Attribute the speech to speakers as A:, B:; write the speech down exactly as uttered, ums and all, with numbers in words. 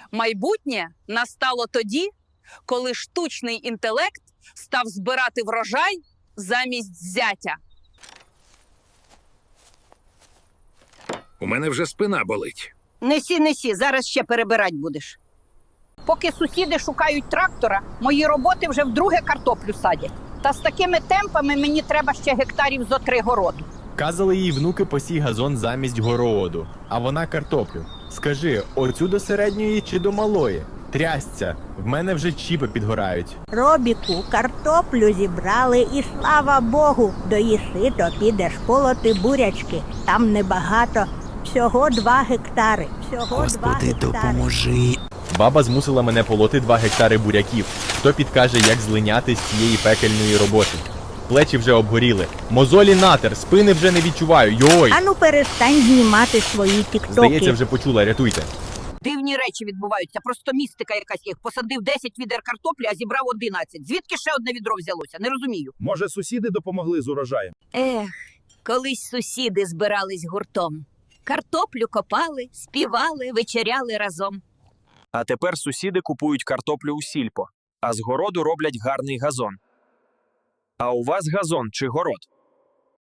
A: Майбутнє настало тоді, коли штучний інтелект став збирати врожай замість зятя.
B: У мене вже спина болить.
C: Несі, несі, зараз ще перебирать будеш. Поки сусіди шукають трактора, мої роботи вже вдруге картоплю садять. Та з такими темпами мені треба ще гектарів зо три городу.
D: Казали їй внуки посій газон замість городу, а вона картоплю. Скажи, оцю до середньої чи до малої? Трясця, в мене вже чіпи підгорають.
E: Робіку, картоплю зібрали і, слава Богу, доїси, то підеш полоти бурячки. Там небагато, всього два гектари. Всього
F: Господи,
E: два гектари.
F: допоможи.
D: Баба змусила мене полоти два гектари буряків. Хто підкаже, як злиняти з цієї пекельної роботи? Плечі вже обгоріли. Мозолі натер, спини вже не відчуваю. Йой!
E: Ану перестань знімати свої тіктоки.
D: Здається, вже почула, рятуйте.
C: Дивні речі відбуваються, просто містика якась їх. Посадив десять відер картоплі, а зібрав одинадцять. Звідки ще одне відро взялося? Не розумію.
G: Може, сусіди допомогли з урожаєм?
H: Ех, колись сусіди збирались гуртом. Картоплю копали, співали, вечеряли разом.
I: А тепер сусіди купують картоплю у сільпо, а з городу роблять гарний газон. А у вас газон чи город?